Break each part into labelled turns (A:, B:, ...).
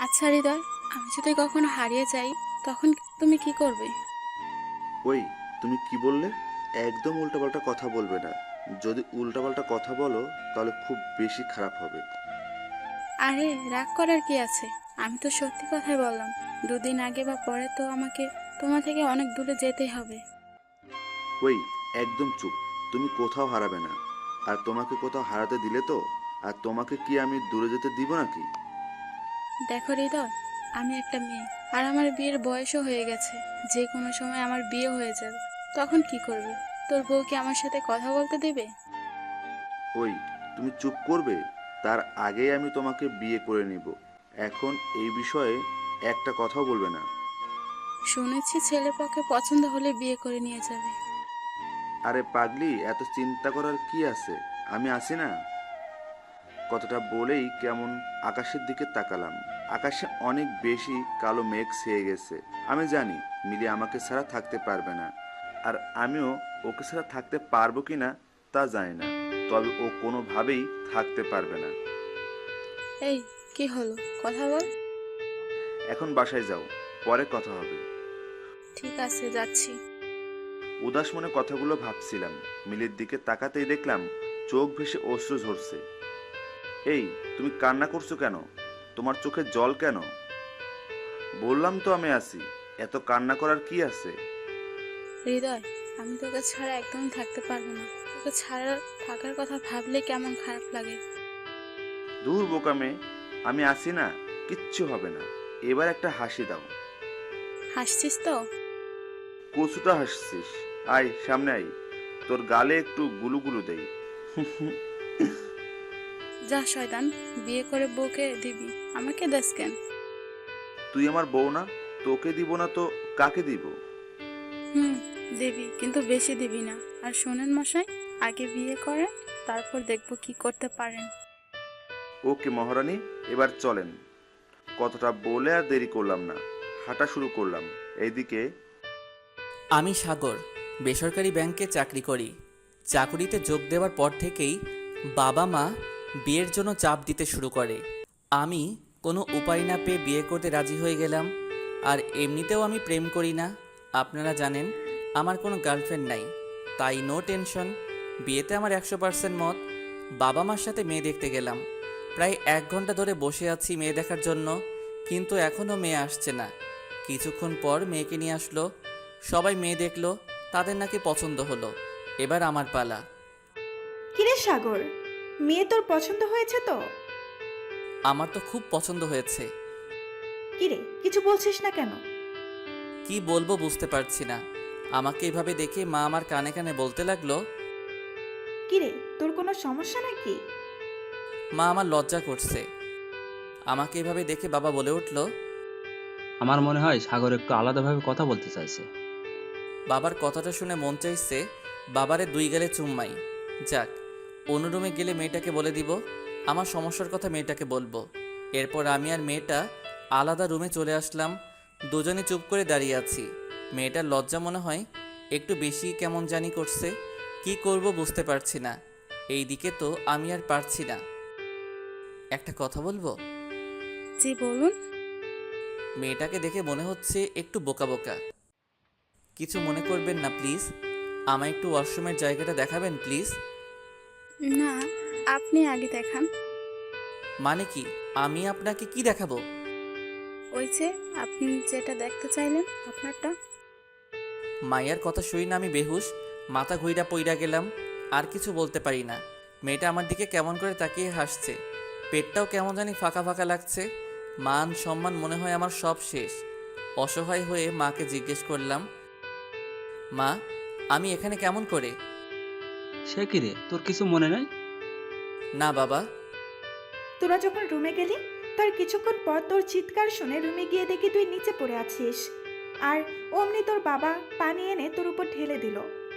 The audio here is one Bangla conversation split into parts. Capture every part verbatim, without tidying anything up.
A: আচ্ছা হৃদয়, আমি যদি কখনো হারিয়ে যাই তখন তুমি কি করবে?
B: ওই, তুমি কি বললে? একদম উল্টাপাল্টা কথা বলবে না। যদি উল্টাপাল্টা কথা বলো তাহলে খুব বেশি খারাপ হবে।
A: আরে, রাগ করার কি আছে? আমি তো সত্যি কথাই বললাম। দুদিন আগে বা পরে তো আমাকে তোমার থেকে অনেক দূরে যেতেই হবে।
B: ওই, একদম চুপ। তুমি কোথাও হারাবে না। আর তোমাকে কোথাও হারাতে দিলে তো, আর তোমাকে কি আমি দূরে যেতে দিব নাকি?
A: দেখো হৃদয়, আমি একটা মেয়ে, আর আমার বিয়ের বয়সও হয়ে গেছে। যে কোনো সময় আমার বিয়ে হয়ে যাবে। তখন কি করবি? তোর বউ কি আমার সাথে কথা বলতে দেবে?
B: ওই, তুমি চুপ করবে? তার আগেই আমি তোমাকে বিয়ে করে নিব। এখন এই বিষয়ে একটা কথাও বলবে না।
A: শুনেছি ছেলে পক্ষে পছন্দ হলে বিয়ে করে নিয়ে যাবে।
B: আরে পাগলি, এত চিন্তা করার কি আছে? আমি আছি না। কথাটা বলেই কেমন আকাশের দিকে তাকালাম। আকাশে অনেক বেশি কালো মেঘ ছেয়ে গেছে। আমি জানি মিলি আমাকে ছাড়া থাকতে পারবে না। আর আমিও ওকে ছাড়া থাকতে পারবো কিনা তা জানি না। তবে ও কোনোভাবেই থাকতে পারবে না।
A: এই, কি হলো? কথা বল।
B: এখন বাসায় যাও, পরে কথা হবে।
A: ঠিক আছে, যাচ্ছি।
B: উদাস মনে কথাগুলো ভাবছিলাম। মিলির দিকে তাকাতেই দেখলাম চোখ ভেসে অশ্রু ঝরছে। এই, তুমি কান্না করছো কেন? তোমার চোখে জল কেন? বললাম তো আমি আছি। এত কান্না করার কি আছে?
A: হৃদয়, আমি তোকে ছাড়া একদমই থাকতে পারবো না। তোকে ছাড়া থাকার কথা ভাবলে কেমন খারাপ লাগে।
B: দূর বোকা মেয়ে, আমি আছি না। কিচ্ছু হবে না। এবার একটা হাসি দাও।
A: হাসছিস তো?
B: কচুটা হাসছিস? আয় সামনে আয়, তোর গালে একটু গুলুগুলু দেই।
A: যা শয়তান, বিয়ে করে বউকে দিবি, আমাকে দেস কেন?
B: তুই আমার বউ না? তোকে দিব না তো কাকে দিব?
A: হুম, দিবি, কিন্তু বেশি দিবি না। আর শোনেন মশাই, আগে বিয়ে করেন, তারপর দেখবো কি করতে পারেন।
B: ওকে মহারানী, এবার চলেন। কতটা বলে আর দেরি করলাম না, হাঁটা শুরু করলাম। এইদিকে
C: আমি সাগর, বেসরকারি ব্যাংকে চাকরি করি। চাকুরিতে যোগ দেওয়ার পর থেকেই বাবা মা বিয়ের জন্য চাপ দিতে শুরু করে। আমি কোনো উপায় না পেয়ে বিয়ে করতে রাজি হয়ে গেলাম। আর এমনিতেও আমি প্রেম করি না। আপনারা জানেন আমার কোনো গার্লফ্রেন্ড নাই, তাই নো টেনশন। বিয়েতে আমার একশো পার্সেন্ট মত। বাবা মার সাথে মেয়ে দেখতে গেলাম। প্রায় এক ঘন্টা ধরে বসে আছি মেয়ে দেখার জন্য, কিন্তু এখনও মেয়ে আসছে না। কিছুক্ষণ পর মেয়েকে নিয়ে আসলো। সবাই মেয়ে দেখলো, তাদের নাকি পছন্দ হলো। এবার আমার পালা।
D: কিরে সাগর, মেয়ে তোর পছন্দ হয়েছে তো?
C: আমার তো খুব পছন্দ হয়েছে।
D: কিরে, কিছু বলছিস না কেন?
C: কি বলবো বুঝতে পারছি না। আমাকে এভাবে দেখে মা আমার কানে কানে বলতে লাগলো।
D: কিরে, তোর কোনো সমস্যা নাকি?
C: মা আমার লজ্জা করছে। আমাকে এভাবে দেখে বাবা বলে উঠল।
E: আমার মনে হয় সাগর একটু আলাদাভাবে কথা বলতে চাইছে।
C: বাবার কথাটা শুনে মন চাইছে বাবারে দুই গেলে চুম্মাই। যাক, অন্য রুমে গেলে মেয়েটাকে বলে দিব, আমার সমস্যার কথা মেয়েটাকে বলবো। এরপর আমি আর মেয়েটা আলাদা রুমে চলে আসলাম। দুজনে চুপ করে দাঁড়িয়ে আছি। মেয়েটার লজ্জা মনে হয় একটু বেশি কেমন জানি করছে। কি করব বুঝতে পারছি না। এইদিকে তো আমি আর পারছি না। একটা কথা বলবো?
A: জি বলুন।
C: মেয়েটাকে দেখে মনে হচ্ছে একটু বোকা বোকা। কিছু মনে করবেন না প্লিজ। আমায় একটু ওয়াশরুমের জায়গাটা দেখাবেন প্লিজ।
A: না, আপনি আগে দেখান।
C: মানে কি? আমি আপনাকে কি দেখাবো?
A: ওই যে, আপনি যেটা দেখতে চাইলেন আপনারটা।
C: মায়ের কথা শুই না আমি বেহুশ, মাথা ঘুইরা পইরা গেলাম। আর কিছু বলতে পারি না। মেয়েটা আমার দিকে কেমন করে তাকিয়ে হাসছে। পেটটাও কেমন জানি ফাঁকা ফাঁকা লাগছে। মান সম্মান মনে হয় আমার সব শেষ। অসহায় হয়ে মাকে জিজ্ঞেস করলাম, মা, আমি এখানে কেমন করে?
E: সে কি রে, তোর কিছু মনে নাই?
C: না বাবা।
D: তোরা যখন রুমে গেলি, তার কিছুক্ষণ পর তোর চিৎকার শুনে রুমে গিয়ে দেখি তুই নিচে পড়ে আছিস। আর অমনি তোর বাবা পানি এনে তোর উপর ঢেলে দিল।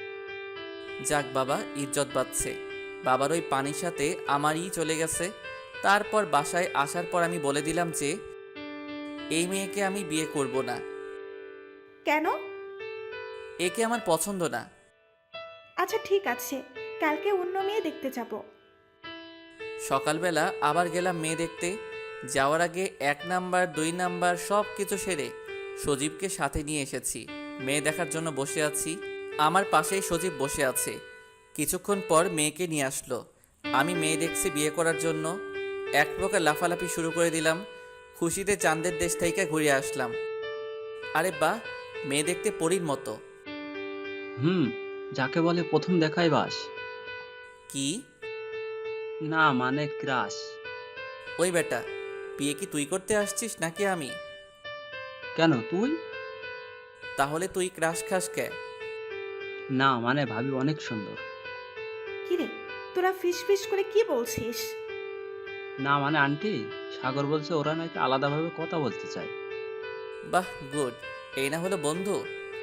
C: যাক বাবা, ইজ্জত বাঁচছে। বাবার ওই পানির সাথে আমারই চলে গেছে। তারপর বাসায় আসার পর আমি বলে দিলাম যে এই মেয়েকে আমি বিয়ে করব না।
D: কেন?
C: একে আমার পছন্দ না।
D: আচ্ছা ঠিক আছে, কালকে অন্য মেয়ে দেখতে যাব।
C: সকালবেলা আবার গেলাম মেয়ে দেখতে। যাওয়ার আগে এক নাম্বার দুই নাম্বার সব কিছু সেরে সজীবকে সাথে নিয়ে এসেছি। মেয়ে দেখার জন্য বসে আছি। আমার পাশেই সজীব বসে আছে। কিছুক্ষণ পর মেয়েকে নিয়ে আসলো। আমি মেয়ে দেখছি বিয়ে করার জন্য। এক প্রকার লাফালাফি শুরু করে দিলাম। খুশিতে চাঁদের দেশ থেকে ঘুরে আসলাম। আরে বাহ, মেয়ে দেখতে পরীর মতো।
E: হুম, যাকে বলে প্রথম দেখাই বাস।
C: কি?
E: না মানে ক্রাশ।
C: ওই বেটা, বিয়ে কি তুই করতে আসছিস নাকি আমি?
E: কেন তুই?
C: তাহলে তুই ক্রাশ খাস কে?
E: না মানে ভাবি অনেক সুন্দর।
D: কিরে, তোরা ফিস ফিস করে কি বলছিস?
E: না মানে আন্টি, সাগর বলছে ওরা নাকি আলাদাভাবে কথা বলতে চায়।
C: বাহ, গুড। এই না হলো বন্ধু?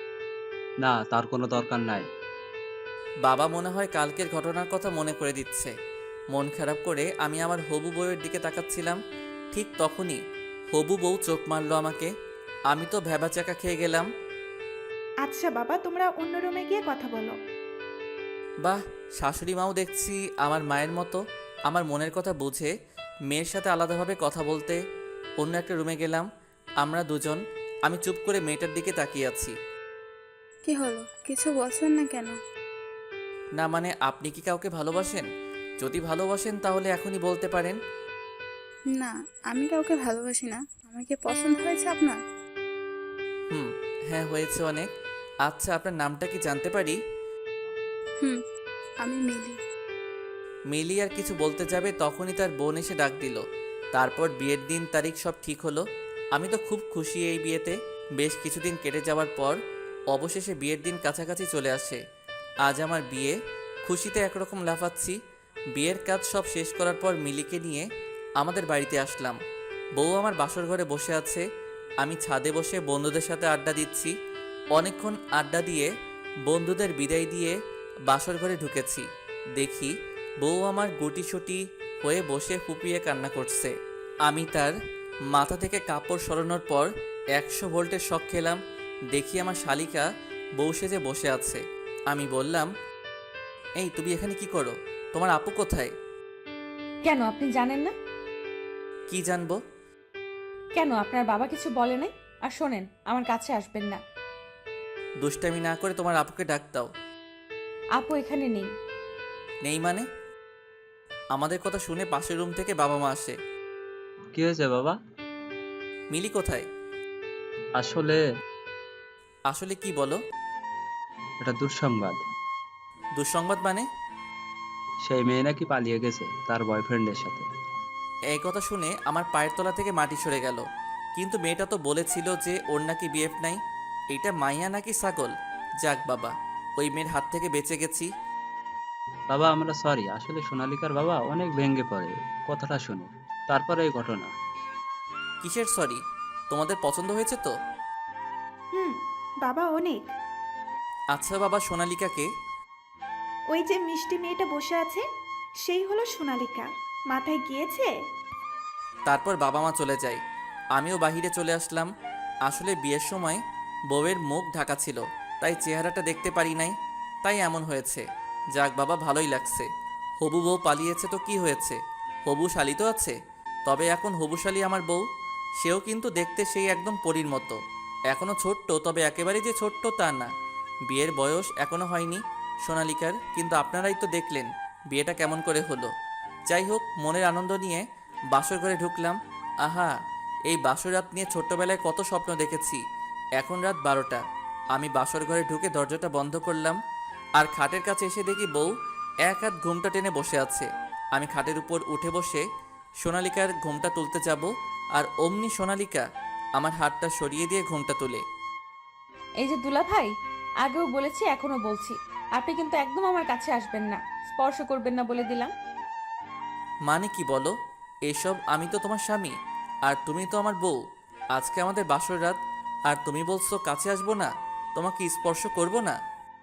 E: না, তার কোনো দরকার নাই।
C: বাবা মনে হয় কালকের ঘটনার কথা মনে করে দিচ্ছে। মন খারাপ করে আমি আমার হবু বউয়ের দিকে তাকাচ্ছিলাম। ঠিক তখনই হবু বউ চোখ মারলো আমাকে। আমি তো ভ্যাবাচাকা খেয়ে গেলাম।
D: আচ্ছা বাবা, তোমরা অন্য রুমে গিয়ে কথা বলো।
C: বাহ, শাশুড়ি মাও দেখছি আমার মায়ের মতো। আমার মনের কথা বুঝে মেয়ের সাথে আলাদাভাবে কথা বলতে অন্য একটা রুমে গেলাম। আমরা দুজন। আমি চুপ করে মেয়েটার দিকে তাকিয়ে আছি।
A: কি হলো, কিছু বলছেন না কেন?
C: না মানে আপনি কি কাউকে ভালোবাসেন? যদি ভালোবাসেন তাহলে এখনই বলতে পারেন।
A: না, আমি কাউকে ভালোবাসি না। আমাকে পছন্দ হয়েছে আপনার?
C: হুম, হ্যাঁ হয়েছে অনেক। আচ্ছা, আপনার নামটা কি জানতে পারি?
A: হুম, আমি মিলি।
C: মিলি আর কিছু বলতে যাবে তখনই তার বোন এসে ডাক দিল। তারপর বিয়ের দিন তারিখ সব ঠিক হলো। আমি তো খুব খুশি এই বিয়েতে। বেশ কিছুদিন কেটে যাওয়ার পর অবশেষে বিয়ের দিন কাছাকাছি চলে আসে। আজ আমার বিয়ে। খুশিতে একরকম লাফাচ্ছি। বিয়ের কাজ সব শেষ করার পর মিলিকে নিয়ে আমাদের বাড়িতে আসলাম। বউ আমার বাসর ঘরে বসে আছে। আমি ছাদে বসে বন্ধুদের সাথে আড্ডা দিচ্ছি। অনেকক্ষণ আড্ডা দিয়ে বন্ধুদের বিদায় দিয়ে বাসর ঘরে ঢুকেছি। দেখি বউ আমার গুটিসুটি হয়ে বসে ফুপিয়ে কান্না করছে। আমি তার মাথা থেকে কাপড় সরানোর পর একশো ভোল্টের শক খেলাম। দেখি আমার শালিকা বউ সেজে বসে আছে। আমি বললাম, এই তুমি এখানে কি করো? তোমার আপু কোথায়?
F: কেন আপনি জানেন না?
C: কি জানবো?
F: কেন আপনার বাবা কিছু বলে নাই? আর শোনেন, আমার কাছে আসবেন না।
C: দুষ্টামি না করে তোমার আপুকে ডাক দাও।
F: আপু এখানে নেই।
C: নেই মানে? আমাদের কথা শুনে পাশের রুম থেকে বাবা মা আসে।
E: কি হয়েছে বাবা?
C: মিলি কোথায়?
E: আসলে
C: আসলে কি বলো?
E: এটা দুঃসংবাদ।
C: দুঃসংবাদ মানে?
E: সেই মেয়ে নাকি পালিয়ে গেছে তার বয়ফ্রেন্ডের সাথে।
C: এই কথা শুনে আমার পায়ের তলা থেকে মাটি সরে গেল। কিন্তু মেয়েটা তো বলেছিল যে ওর নাকি বিএফ নাই। এটা মাইয়া নাকি ছাগল? যাক বাবা, ওই মেয়ের হাত থেকে বেঁচে গেছি।
E: বাবা আমরা সরি, আসলে সোনালিকার বাবা অনেক ভেঙে পড়ে কথাটা শুনে। তারপরে এই ঘটনা।
C: কিসের সরি? তোমাদের পছন্দ হয়েছে তো?
D: হুম, বাবা অনেক।
C: আচ্ছা বাবা, সোনালিকাকে?
D: ওই যে মিষ্টি মেয়েটা বসে আছে, সেই হলো সোনালিকা। মাথায় গিয়েছে?
C: তারপর বাবা মা চলে যায়। আমিও বাহিরে চলে আসলাম। আসলে বিয়ের সময় বউয়ের মুখ ঢাকা ছিল, তাই চেহারাটা দেখতে পারি নাই। তাই এমন হয়েছে। যাক বাবা, ভালোই লাগছে। হবু বউ পালিয়েছে তো কি হয়েছে? হবু শালি তো আছে। তবে এখন হবু শালি আমার বউ। সেও কিন্তু দেখতে সেই একদম পরীর মতো। এখনও ছোট্ট, তবে একেবারে যে ছোট্ট তা না। বিয়ের বয়স এখনও হয়নি সোনালিকার। কিন্তু আপনারাই তো দেখলেন বিয়েটা কেমন করে হলো। যাই হোক, মনের আনন্দ নিয়ে বাসর ঘরে ঢুকলাম। আহা, এই বাসর রাত নিয়ে ছোট্টবেলায় কত স্বপ্ন দেখেছি। এখন রাত বারোটা। আমি বাসর ঘরে ঢুকে দরজাটা বন্ধ করলাম। আর খাটের কাছে এসে দেখি বউ এক হাত ঘুমটা টেনে বসে আছে। আমি খাটের উপর উঠে বসে সোনালিকার ঘুমটা তুলতে যাব, আর অমনি সোনালিকা আমার হাতটা সরিয়ে দিয়ে ঘুমটা তুলে।
F: এই যে দুলা ভাই, আগেও বলেছি এখনো বলছি, আপনি কিন্তু একদম আমার কাছে আসবেন না, স্পর্শ করবেন না বলে দিলাম।
C: মানে কি বলো এসব? আমি তো তোমার স্বামী, আর তুমি তো আমার বউ। আজকে আমাদের বাসর রাত, আর তুমি বলছো কাছে আসবো না, তোমাকে স্পর্শ করব না?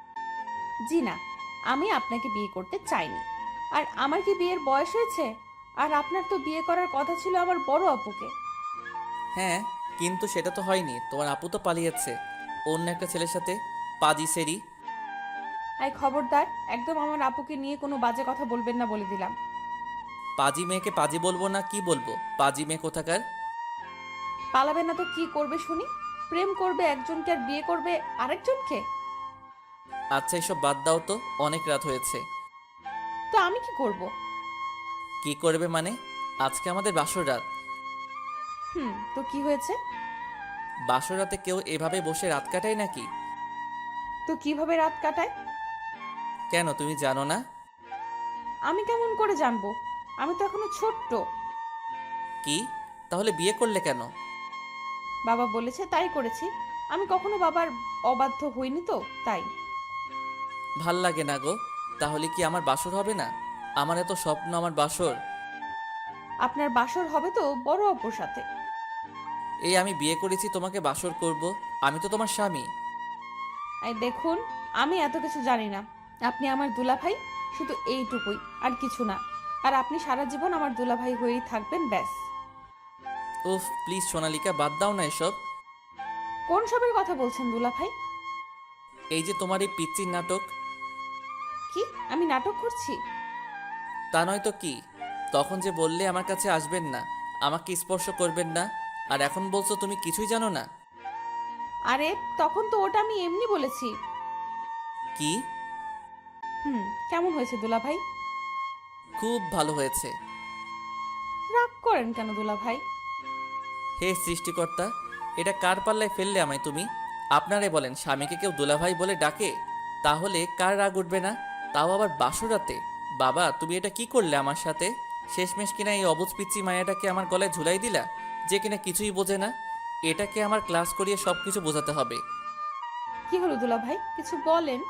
F: জি না, আমি আপনাকে বিয়ে করতে চাইনি। আর আমার কি বিয়ের বয়স হয়েছে? আর আপনার তো বিয়ে করার কথা ছিল আমার বড় আপুকে।
C: হ্যাঁ, কিন্তু সেটা তো হয়নি। তোমার আপু তো পালিয়েছে অন্য একটা ছেলের সাথে, পাজি সেরি।
F: আই খবরদার, একদম আমার আপুকে নিয়ে কোনো বাজে কথা বলবেন না বলে দিলাম।
C: পাজি মেয়েকে পাজি বলবো না কি বলবো? পাজি মেয়ে কোথাকার।
F: পালাবে না তো কি করবে শুনি? প্রেম করবে একজনকে আর বিয়ে করবে আরেকজনকে?
C: আচ্ছা এসব বাদ দাও তো, অনেক রাত হয়েছে।
F: তো আমি কি করব?
C: কি করবে মানে? আজকে আমাদের বাসর রাত।
F: হুম, তো কি হয়েছে?
C: বাসর রাতে কেউ এভাবে বসে রাত কাটায় নাকি?
F: তো কিভাবে রাত কাটায়?
C: কেন তুমি জানো না?
F: আমি কেমন করে জানবো? আমি তো এখনো ছোট্ট।
C: কি? তাহলে বিয়ে করলে কেন?
F: বাবা বলেছে তাই করেছি। আমি কখনো বাবার অবাধ্য হইনি তো, তাই।
C: ভাল লাগে না গো। তাহলে কি আমার বাসর হবে না? আমার এত স্বপ্ন আমার বাসর।
F: আপনার বাসর হবে তো বড় অপুর সাথে।
C: এই আমি বিয়ে করেছি তোমাকে বাসর করব? আমি তো তোমার স্বামী।
F: এই দেখুন, আমি এত কিছু জানি না। আপনি আমার দুলাভাই, শুধু এইটুকুই, আর কিছু না। আর আপনি সারা জীবন আমার দুলাভাই হয়েই থাকবেন, ব্যাস।
C: উফ প্লিজ সোনালিকা, বাদ দাও না এসব।
F: কোন সবের কথা বলছেন দুলাভাই?
C: এই যে তোমার এই পিচ্চির নাটক।
F: কি আমি নাটক করছি?
C: তা নয় তো কি? তখন যে বললে আমার কাছে আসবেন না, আমাকে স্পর্শ করবেন না, আর এখন বলছো তুমি কিছুই জানো না।
F: আরে তখন তো ওটা আমি এমনি বলেছি।
C: কি?
F: হুম, কেমন হয়েছে দুলাভাই?
C: খুব ভালো হয়েছে।
F: রাগ করেন কেন দুলাভাই?
C: হে সৃষ্টিকর্তা, এটা কার পাল্লায় ফেললে আমায় তুমি? আপনারে বলেন, স্বামীকে কেউ দুলাভাই বলে ডাকে? তাহলে কার রাগ উঠবে না? তাও আবার বাসরাতে। বাবা তুমি এটা কি করলে আমার সাথে? শেষমেশ কিনা এই অবুজ পিচ্চি মায়াটাকে আমার গলায় ঝুলাই দিলা, যে কিনা কিছুই বোঝে না। এটাকে আমার ক্লাস করিয়ে সব কিছু বোঝাতে হবে।
F: কি হলো দুলাভাই, কিছু বলেন।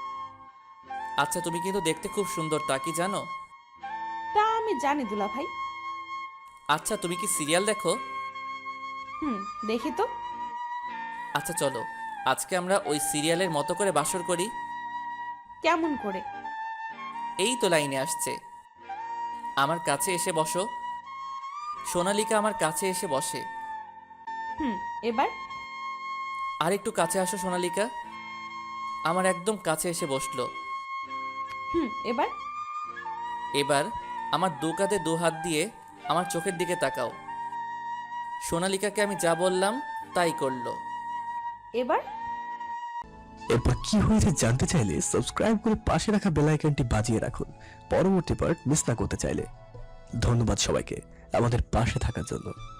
C: আচ্ছা তুমি কিন্তু দেখতে খুব সুন্দর, তা কি জানো?
F: তা আমি জানি দুলাভাই।
C: আচ্ছা তুমি কি সিরিয়াল দেখো?
F: হুম, দেখি তো।
C: আচ্ছা চলো, আজকে আমরা ওই সিরিয়ালের মতো করে বাসর করি।
F: কেমন করে?
C: এই তো লাইনে আসছে। আমার কাছে এসে বসো। সোনালিকা আমার কাছে এসে বসে।
F: হুম, এবার?
C: আর একটু কাছে আসো সোনালিকা। আমার একদম কাছে এসে বসলো।
F: হুম, এবার?
C: এবার আমার দু কাঁধে দু হাত দিয়ে আমার চোখের দিকে তাকাও। সোনালিকাকে আমি যা বললাম তাই করলো।
F: এবার?
G: এরপর কি হয়েছে জানতে চাইলে সাবস্ক্রাইব করে পাশে রাখা বেল আইকনটি বাজিয়ে রাখুন পরবর্তী পার্ট মিস না করতে চাইলে। ধন্যবাদ সবাইকে আমাদের পাশে থাকার জন্য।